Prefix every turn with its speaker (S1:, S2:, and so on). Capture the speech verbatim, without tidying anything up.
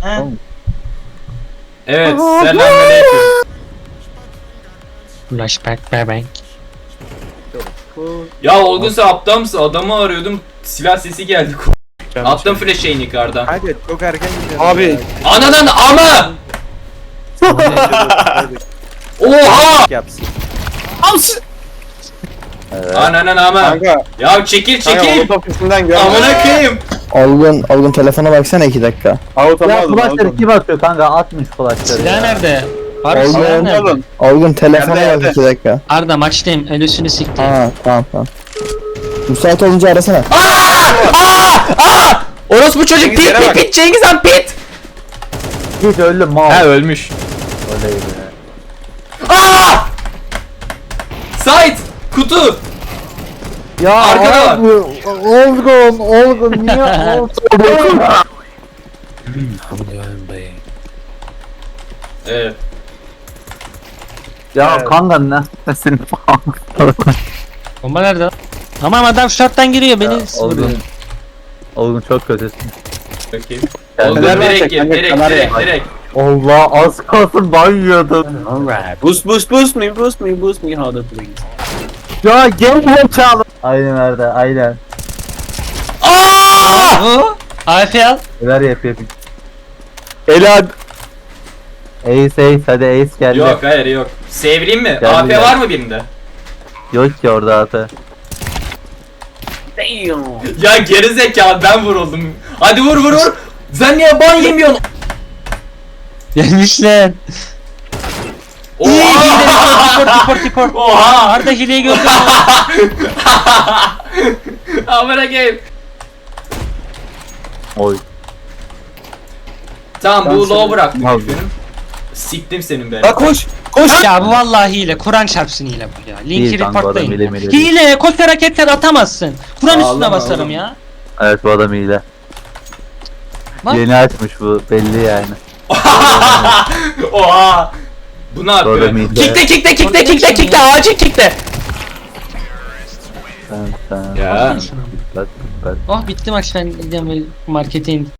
S1: Ha?
S2: Evet, selamünaleyküm.
S3: Flashback bebek.
S2: Ya Olgun sen aptal mısın? Adamı arıyordum. Silah sesi geldi. Attım flash şeyini yukarıdan.
S4: Hadi çok erken gidiyoruz.
S1: Abi.
S2: Anadan ama! Oha!
S4: Yapsın.
S2: Ananan ama.
S1: Kanka.
S2: Ya çekil
S1: Kanka
S2: çekil.
S1: Avut ofisinden gel.
S2: Amına koyayım.
S5: Olgun, Olgun telefona baksana iki dakika.
S1: Avut
S6: Ya
S1: aldım.
S6: flashları kim atıyor kanka? Atmış flashları
S3: Silah
S6: ya.
S3: nerede? Var
S5: Oldu,
S3: silah
S5: oldu.
S3: nerede?
S5: Olgun telefona
S1: Nerede,
S5: bak
S1: nerede?
S5: iki dakika.
S3: Arda maçtayım. Ölüsünü siktim.
S5: Ha tamam tamam. Müsait olunca arasana.
S2: Orospu çocuk
S1: Cengiz,
S2: pit
S1: yere
S2: pit
S1: bak.
S2: pit Cengiz Han pit.
S6: Git öldüm mal.
S2: Ha ölmüş.
S6: Öyleydi.
S2: Aa! Sait kutu.
S6: Ya
S2: Arkada var.
S6: abi, Olgun, Olgun niye Olgun?
S2: Evet.
S6: Ya
S1: Evet.
S6: kanka ne? Senin
S3: Bomba nerede lan? Tamam adam short'tan giriyor beni vuruyor.
S6: Olgun. Olgun çok kötüsün.
S2: Bakayım.
S6: Yani
S2: Olgun
S1: nereden
S2: direkt
S1: çek,
S2: gir
S1: kanka,
S2: direkt
S1: kameraya
S2: direkt
S1: bak.
S2: direkt.
S6: Allah az kalsın ban yiyordum.
S3: Alright.
S1: Boost boost boost me boost me boost me harder please.
S6: Ya gel çağlı. Aynen nerede? Aynen.
S2: Aa!
S3: O A F al.
S6: Neler yap yapayım.
S1: Elad.
S6: Ace Ace hadi Ace geldi.
S2: Yok hayır yok. Sevreyim mi?
S6: Geldi,
S2: A P
S6: geldi.
S2: var mı birinde?
S6: Yok ki orada ata.
S1: Damn.
S2: Ya geri zekalı ben vuruldum. Hadi vur vur vur. Sen niye ban yemiyorsun?
S3: Gelmişler.
S2: Oha!
S3: Report report report.
S2: Oha!
S3: Arda hileyi gördün mü?
S2: Amına koyayım.
S6: Oy.
S2: Tamam bu low bıraktım.
S6: Abi.
S2: Siktim senin be.
S1: Bak koş. Koş.
S3: Ya bu vallahi hile. Kur'an çarpsın hile bu ya. Linki
S6: İyi kanka, adam hile
S3: reportlayın.
S6: mile
S3: Hile. Koş hareketler atamazsın. Kur'an üstüne
S2: Ağlama,
S3: basarım
S2: ağlama.
S3: ya.
S6: Evet bu adam iyile.
S3: Bak.
S6: Yeni açmış bu belli yani.
S2: Oha! Bu ne yapıyor?
S6: Doğru mıydı?
S2: Kickte kickte kickte kickte kickte acil kickte.
S6: Sen sen.
S2: Ya.
S6: Bak, bak.
S3: Oh bitti maç ben gideceğim markete indim.